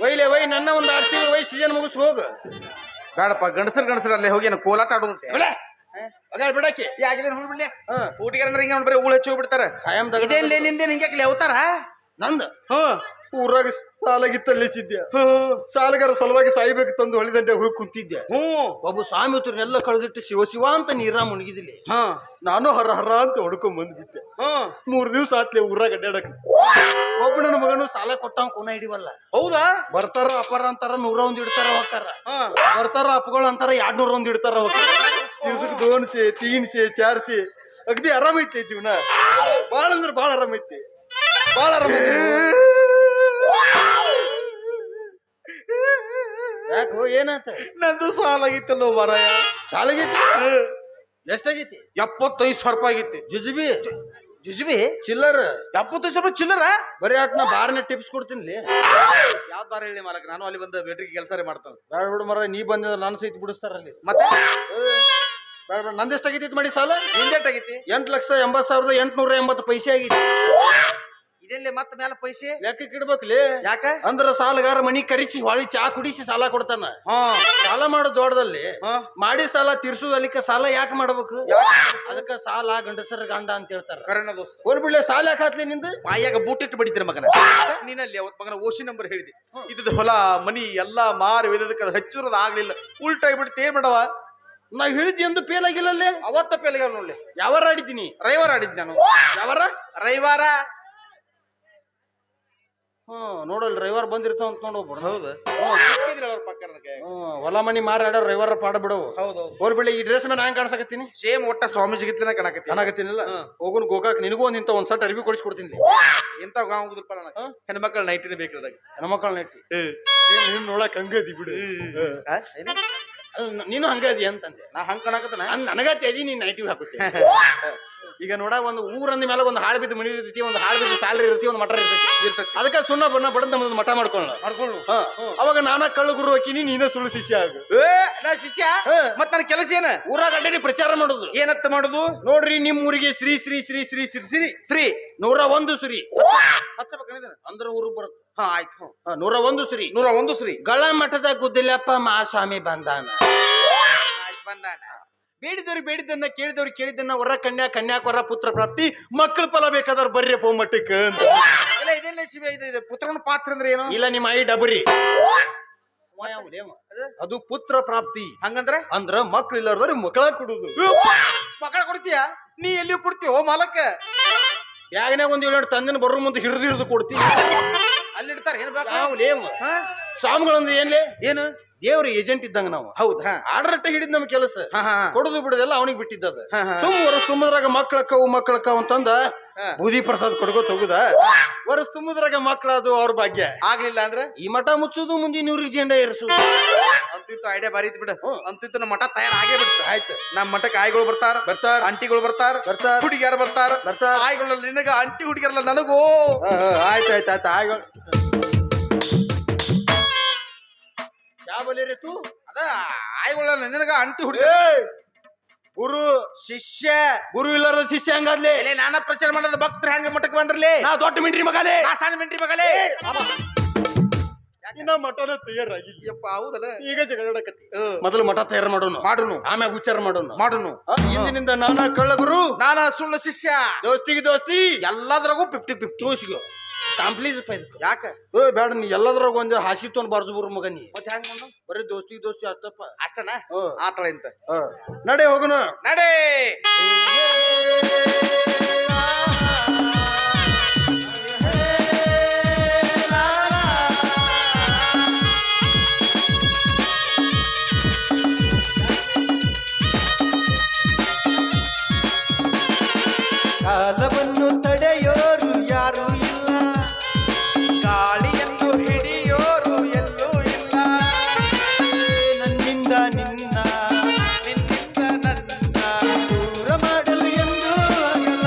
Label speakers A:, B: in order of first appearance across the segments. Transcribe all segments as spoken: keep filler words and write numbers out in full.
A: ಒಯ್ಲೆ ಒಯ್ ನನ್ನ ಒಂದು ಆರು ತಿಂಗಳು ಒಯ್ ಸೀಸನ್ ಮುಗಿಸ್ ಹೋಗ.
B: ಬೇಡಪ್ಪ ಗಂಡಸರ್ ಗಂಡಸರ್ ಅಲ್ಲೇ ಹೋಗಿ ನಾನು ಕೋಲಾಟ ಆಡೋದಂತೆ
A: ಬಿಡಕ್ಕೆ
B: ಯಾಕಿದೆ ಬಿಡ್ಲಿ ಊಟಿಗೆ ಅಂದ್ರೆ ಹಿಂಗ ಬರೀ ಊಳ ಹಚ್ಚಿ ಹೋಗ್ಬಿಡ್ತಾರ
A: ಕಾಯಂ
B: ಇದೇನ್ ನಿಂದೇನ್ ಹಿಂಗೆ ಲೆವತಾರ
A: ನಂದು ಊರಾಗ ಸಾಲಾಗಿತ್ತಲ್ಲಿಸಿದ್ದೆ ಸಾಲಗಾರ ಸಲುವಾಗಿ ಸಾಯ್ಬೇಕು ತಂದು ಹೊಳಿದಂಡೆ ಹೋಗಿ ಕುಂತಿದ್ದೆ.
B: ಹ್ಮ್
A: ಒಬ್ಬ ಸ್ವಾಮಿ ಉತ್ತರನೆಲ್ಲ ಕಳೆದಿಟ್ಟು ಶಿವ ಶಿವ ಅಂತ ನೀರ ಮುಣಗಿದಿಲ್ಲ.
B: ಹಾ
A: ನಾನು ಹರ ಹರ ಅಂತ ಹೊಡ್ಕೊಂಡ್ ಬಂದ್ಬಿಟ್ಟೆ.
B: ಹ್ಮ್
A: ಮೂರ್ ದಿವ್ಸ ಆತ್ಲೆ ಊರಾಗ ಅಡ್ಡಾಡಕ್. ಒಬ್ಬ ನನ್ನ ಮಗನು ಸಾಲ ಕೊಟ್ಟವ್ ಕೂನ ಹಿಡಿವಲ್ಲ.
B: ಹೌದಾ
A: ಬರ್ತಾರ ಅಪರ ಅಂತಾರ ನೂರ ಒಂದ್ ಇಡ್ತಾರ ಹೋಗ್ತಾರ. ಬರ್ತಾರ ಅಪ್ಪಗಳು ಅಂತಾರ ಎರಡ್ ನೂರ ಒಂದ್ ಇಡ್ತಾರ ಹೋಗ್ತಾರ. ದಿವ್ಸಕ್ಕೆ ದೋನ್ಸೆ ತೀನ್ಸೆ ಚಾರ್ಸೆ ಅಗದಿ ಆರಾಮೈತಿ ಜೀವನ. ಬಾಳ ಅಂದ್ರ ಬಾಳ ಆರಾಮೈತಿ, ಬಾಳ ಆರಾಮ. ಯಾಕೋ ಏನಾತ?
B: ನಂದು ಸಾಲ ಆಗಿತ್ತಲ್ಲೋ ಮಾರಾಯ.
A: ಸಾಲಾಗೈತಿ? ಎಷ್ಟಾಗೈತಿ?
B: ಎಪ್ಪತ್ತೈದು ಸಾವಿರ ರೂಪಾಯಿ ಆಗೈತಿ.
A: ಜುಜುಬಿ
B: ಜುಜುಬಿ
A: ಚಿಲ್ಲರ್
B: ಎಪ್ಪತ್ತೈದು ಸಾವಿರ ರೂಪಾಯಿ ಚಿಲ್ಲರ.
A: ಬರೀ ಆಟ್ ನಾ ಬಾರ್ನ ಟಿಪ್ಸ್ ಕೊಡ್ತೀನಿ.
B: ಯಾವ ಬಾರ ಹೇಳಿ ಮಾಲಕ್, ನಾನು ಅಲ್ಲಿ ಬಂದ ಬೇಟ್ರಿಗೆ ಕೆಲಸ ಮಾಡ್ತಾನೆ.
A: ಬೇಡ ಬಿಡು ಮರ, ನೀ ಬಂದಿದ್ರೆ ನಾನು ಸಹಿತ ಬಿಡಿಸ್ತಾರಲ್ಲಿ.
B: ಮತ್ತೆ
A: ಬೇಡ ಬೇಡ, ನಂದೆಷ್ಟಾಗೈತಿ ಮಾಡಿ ಸಾಲ?
B: ನಿಂದೆಷ್ಟಾಗೈತಿ?
A: ಎಂಟು ಲಕ್ಷ ಎಂಬತ್ ಸಾವಿರದ ಎಂಟುನೂರ ಎಂಬತ್ತು ಪೈಸೆ ಆಗೈತಿ.
B: ಇದೆಲ್ಲಿ ಮತ್ತೆ ಮೇಲೆ ಪೈಸೆ
A: ಲೆಕ್ಕಕ್ಕೆ ಇಡ್ಬೇಕ್ಲಿ.
B: ಯಾಕ?
A: ಅಂದ್ರ ಸಾಲಗಾರ ಮನಿ ಕರಿಸಿ ಹೊಳಿ ಚಾ ಕುಡಿಸಿ ಸಾಲ ಕೊಡ್ತಾನ. ಸಾಲ ಮಾಡೋ ದೊಡ್ಡದಲ್ಲಿ ಮಾಡಿ ಸಾಲ ತೀರ್ಸುದಲ್ಲಿಕ್ಕ ಸಾಲ ಯಾಕೆ ಮಾಡ್ಬೇಕು? ಅದಕ್ಕ ಸಾಲ ಗಂಡಸರ ಗಂಡ ಅಂತ ಹೇಳ್ತಾರ.
B: ಕರೆನ ದೋಸ್ತ
A: ಹೋಲ್ ಬಿಡ್ಲೆ, ಸಾಲ ಯಾಕೆ ಹಾಕ್ಲಿ ನಿಂದು?
B: ಬಾಯಾಗ ಬೂಟಿಟ್ಟು ಬಡಿತೀರ ಮಗನ. ನೀನಲ್ಲಿ ಅವತ್ ಮಗನ ಓಶಿ ನಂಬರ್ ಹೇಳಿದೆ. ಇದ್ದದ ಹೊಲ ಮನಿ ಎಲ್ಲಾ ಮಾರಿ ವೇದಕ್ಕೆ ಅದು ಹಚ್ಚಿರೋದು ಆಗ್ಲಿಲ್ಲ, ಉಲ್ಟಾ ಆಗ್ಬಿಡುತ್ತೆ. ಏನ್ ಮಾಡವ?
A: ನಾವ್ ಹೇಳಿದ್ವಿ ಎಂದು ಫೇಲ್ ಆಗಿಲ್ಲಲ್ಲೇ.
B: ಅವತ್ತ ಫೇಲ್ ಆಗ್ಯಾವ ನೋಡ್ಲಿ.
A: ಯಾವಾರ ಆಡಿದ್ದೀನಿ?
B: ರವಿವಾರ ಆಡಿದ್ ನಾನು.
A: ಯಾವಾರ?
B: ರವಿವಾರ.
A: ಹ್ಮ್ ನೋಡಲ್ ರವಿವಾರ ಬಂದಿರ್ತಾವ ಅಂತ ನೋಡ್ ಹೋಗ್ಬಿಡ.
B: ಹೌದು ಪಕ್ಕ
A: ಹೊಲ ಮನಿ ಮಾರಿ ಆಡೋ ರವಿವಾರ ಪಾಡ ಬಿಡವು.
B: ಹೌದು
A: ಹೋಲ್ ಬಿಡ್ಲಿ, ಈ ಡ್ರೆಸ್ ಮೇಲೆ ನಾನ್ ಕಾಣಿಸಕತ್ತೀನಿ.
B: ಸೇಮ್ ಒಟ್ಟ ಸ್ವಾಮೀಜಿಗಿತ್ಲನ ಕಣಕತ್ತಿ
A: ಕಾಣಕತ್ತೀನಿಲ್ಲ. ಹೋಗುನ್ ಗೋಕಾಕ್ ನಿನಗೂ ಒಂದ್ ಇಂತ ಒಂದ್ ಸಟ್ ಅರ್ಬಿ ಕೊಡಿಸ್ಕೊಡ್ತೀನಿ.
B: ಎಂತ ಹೋಗುದಪ್ಪ ನನಗೆ ಹೆಣ್ಮಕ್ಳ ನೈಟಿನ ಬೇಕಾದಾಗ.
A: ಹೆಣ್ಮಕ್ಳ ನೈಟಿ ನೀನ್ ನೋಡಕ್ ಹಂಗದಿ ಬಿಡು. ನೀನು ಹಂಗದಿ ಅಂತಂದೆ.
B: ನಾ ಹಂಗ ಕಣಕತ್ತನ
A: ನನಗತ್ತೆ ಅದಿ ನೀನ್ ನೈಟಿವ್ ಹಾಕುತ್ತೆ. ಈಗ ನೋಡ ಒಂದ್ ಊರಂದ ಮೇಲೆ ಒಂದ್ ಹಾಳು ಬಿದ್ದು ಮನಿ ಇರ್ತೈತಿ, ಒಂದ್ ಹಾಳು ಬಿದ್ದು ಸ್ಯಾಲ್ರಿ ಇರ್ತೈತಿ, ಒಂದ್ ಮಠ ಇರ್ತೈತಿ ಇರ್ತೈತಿ ಅದಕ್ಕ ಸುಣ್ಣ ಬಣ್ಣ ಬಡದ್ ನಮ್ದು ಮಠ ಮಾಡ್ಕೊಳ್ಳ ಮಾಡ್ಕೊಳ್ಳು. ಅವಾಗ ನಾನಾ ಕಳ್ಳು ಗುರು ಹಾಕಿನಿ, ನೀನ ಸುಳ್ಳು ಶಿಷ್ಯ ಆಗು.
B: ನಾ ಶಿಷ್ಯ ಮತ್ ನನ್ನ ಕೆಲಸ ಏನ?
A: ಊರಾಗ ಅಡ್ಡಾಡಿ ಪ್ರಚಾರ ಮಾಡುದು.
B: ಏನತ್ತ ಮಾಡುದು?
A: ನೋಡ್ರಿ ನಿಮ್ ಊರಿಗೆ ಶ್ರೀ ಶ್ರೀ ಶ್ರೀ ಶ್ರೀ ಶ್ರೀ ಶ್ರೀ
B: ಶ್ರೀ
A: ನೂರ ಒಂದು ಶ್ರೀ
B: ಹಚ್ಚಬೇಕ
A: ಅಂದ್ರ ಊರು ಬರುತ್ತೆ.
B: ಹಾ ಆಯ್ತು.
A: ನೂರ ಒಂದು ಶ್ರೀ
B: ನೂರ ಒಂದು ಶ್ರೀ
A: ಗಳ ಮಠದ ಗುದ್ದಲಪ್ಪ ಮಹಾಸ್ವಾಮಿ ಬಂದಾನ.
B: ಬಂದಾನ.
A: ಬೇಡಿದವ್ರು ಬೇಡಿದ್ದನ್ನ, ಕೇಳಿದವ್ರು ಕೇಳಿದ್ದನ್ನ, ವರ ಕನ್ಯಾ ಕನ್ಯಾಕವರ ಪುತ್ರ ಪ್ರಾಪ್ತಿ, ಮಕ್ಕಳ ಫಲ ಬೇಕಾದವ್ರು ಬರ್ರಿ ಪೋ ಮಟ್ಟಕ್ಕೆ ಅಂತ.
B: ಇಲ್ಲ ಇದೆಲ್ಲ ಶಿವ ಇದು ಪುತ್ರನ ಪಾತ್ರ ಅಂದ್ರೆ ಏನು?
A: ಇಲ್ಲ ನಿಮ್ಮ ಐ ಡಬರಿ ಅದು ಪುತ್ರ ಪ್ರಾಪ್ತಿ.
B: ಹಂಗಂದ್ರೆ
A: ಅಂದ್ರ ಮಕ್ಳು ಇಲ್ಲಾರ್ದವ್ರು ಮಕ್ಕಳ ಕೊಡುದು.
B: ಮಕ್ಕಳ ಕೊಡ್ತೀಯ? ನೀ ಎಲ್ಲಿ ಕೊಡ್ತೀವ ಮಾಲಕ್ಕ?
A: ಬ್ಯಾಗನ್ಯಾಗ ಒಂದ್ ಏಳು ತಂದಿನ ಬರೋ ಮುಂದೆ ಹಿಡಿದು ಹಿಡಿದು ಕೊಡ್ತೀವಿ.
B: ಅಲ್ಲಿ ಇಡ್ತಾರ ಏನ್
A: ಲೇಮ್ ಸ್ವಾಮಿಗಳಂದ್ರೆ ಏನ್ಲೇ?
B: ಏನು
A: ದೇವ್ರ ಏಜೆಂಟ್ ಇದ್ದಂಗ ನಾವು.
B: ಹೌದಾ?
A: ಆಡರಟ್ಟ ಹಿಡಿದ್ ನಮ್ ಕೆಲಸ. ಕೊಡುದು ಬಿಡುದೆಲ್ಲ ಅವನಿಗೆ ಬಿಟ್ಟಿದ್ದದ. ಸುಮ್ ವರ್ಷ ತುಂಬದ್ರಾಗ ಮಕ್ಳಕ್ಕವು ಮಕ್ಳಕ್ಕವು ಅಂತಂದ ಬೂದಿ ಪ್ರಸಾದ್ ಕೊಡ್ಕೋತ ಹೋಗುದ. ವರ್ಷ ತುಂಬದ್ರಾಗ ಮಕ್ಳದು ಅವ್ರ ಭಾಗ್ಯ.
B: ಆಗ್ಲಿಲ್ಲ ಅಂದ್ರೆ
A: ಈ ಮಠ ಮುಚ್ಚುದು, ಮುಂದಿನ ಊರಿಗೆ ಜೆಂಡ ಏರಿಸುದು.
B: ಅಂತಿತ್ತು ಐಡಿಯಾ ಬಾರಿ ಇತ್ತು ಬಿಡ. ಅಂತಿತ್ತು ನಮ್ಮ ಮಠ ತಯಾರ ಆಗೇ ಬಿಡ್ತ.
A: ಆಯ್ತು.
B: ನಮ್ಮ ಮಠಕ್ಕೆ ಆಯ್ಗಳು ಬರ್ತಾರ
A: ಬರ್ತಾರ
B: ಅಂಟಿಗಳು ಬರ್ತಾರ
A: ಬರ್ತಾರ
B: ಹುಡುಗಿಯಾರ ಬರ್ತಾರ
A: ಬರ್ತಾರ
B: ಆಯ್ಗಳು ನಿನಗ, ಅಂಟಿ ಹುಡುಗಿಯರಲ್ಲ ನನಗೂ.
A: ಆಯ್ತಾಯ್ತು ಆಯ್ತು ಆಯ್ಗಳು ಯಾವ ಬಲಿ ತೂ
B: ಅದ ಆಯ್ಗಳ ನಿನಗ, ಅಂಟಿ ಹುಡುಗಿ
A: ಗುರು
B: ಶಿಷ್ಯ.
A: ಗುರು ಇಲ್ಲಾರ ಶಿಷ್ಯ ಹಂಗಾದ್ಲೆ.
B: ನಾನ ಪ್ರಚಾರ ಮಾಡೋದು ಭಕ್ತರು ಹೆಂಗ ಮಠಕ್ಕೆ ಬಂದ್ರಲಿ?
A: ನಾ ದೊಡ್ಡ ಮಿಂಟ್ರಿ ಮಗಲೇ,
B: ನಾ ಸಣ್ಣ ಮಿಂಟ್ರಿ ಮಗಲೇ.
A: ಇನ್ನ ಮಠನ ತಯಾರಾಗಿದ್ಯಪ್ಪ.
B: ಹೌದಲ್ಲ?
A: ಈಗ ಜಗಳಕತ್ತಿ. ಮೊದಲು ಮಠ ತಯಾರು ಮಾಡೋನು ಮಾಡೋನು ಆಮ್ಯಾಗ ಉಚ್ಚಾರ ಮಾಡೋನು ಮಾಡೋನು ಇಂದಿನಿಂದ ನಾನಾ ಕಳ್ಳ ಗುರು,
B: ನಾನಾ ಸುಳ್ಳು ಶಿಷ್ಯ.
A: ದೋಸ್ತಿಗೆ ದೋಸ್ತಿ
B: ಎಲ್ಲದ್ರಾಗೂ ಫಿಫ್ಟಿ ಫಿಫ್ಟಿ
A: ತೋಸಿಗೋ ಕಾಂಪ್ಲೀಸ್
B: ಯಾಕ?
A: ಏ ಬೇಡ, ನೀ ಎಲ್ಲದ್ರಾಗ ಒಂದು ಹಾಸಿಗೆ ತೊಗೊಂಡ್ ಬಾರ್ದು ಬರು ಮಗ. ನೀ
B: ಮತ್ತೆ ಹೆಂಗ
A: ಬರೀ ದೋಸ್ತಿ ದೋಸ್ತಿ ಅಷ್ಟಪ್ಪ.
B: ಅಷ್ಟನಾ? ಆತಳ ಇಂತ
A: ನಡೆ ಹೋಗುನು
B: ನಡೆ.
A: ಕಾಲವನ್ನು ತಡೆಯೋರು ಯಾರು ಇಲ್ಲ,
B: ಗಾಳಿಯನ್ನು ಹಿಡಿಯೋರು ಎಲ್ಲೂ ಇಲ್ಲ.
A: ನನ್ನಿಂದ ನಿನ್ನ
B: ನಿನ್ನಿಂದ ನನ್ನ
A: ದೂರ ಮಾಡಲು ಎಂದು ಆಗಲ್ಲ.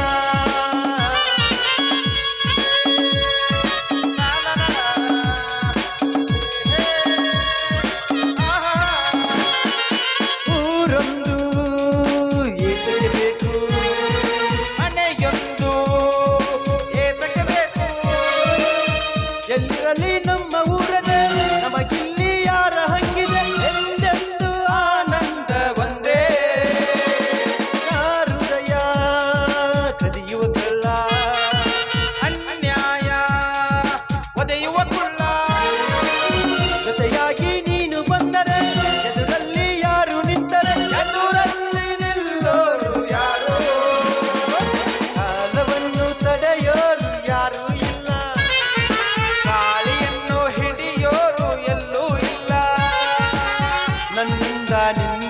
A: ಚಂದ ನಿನ್ನ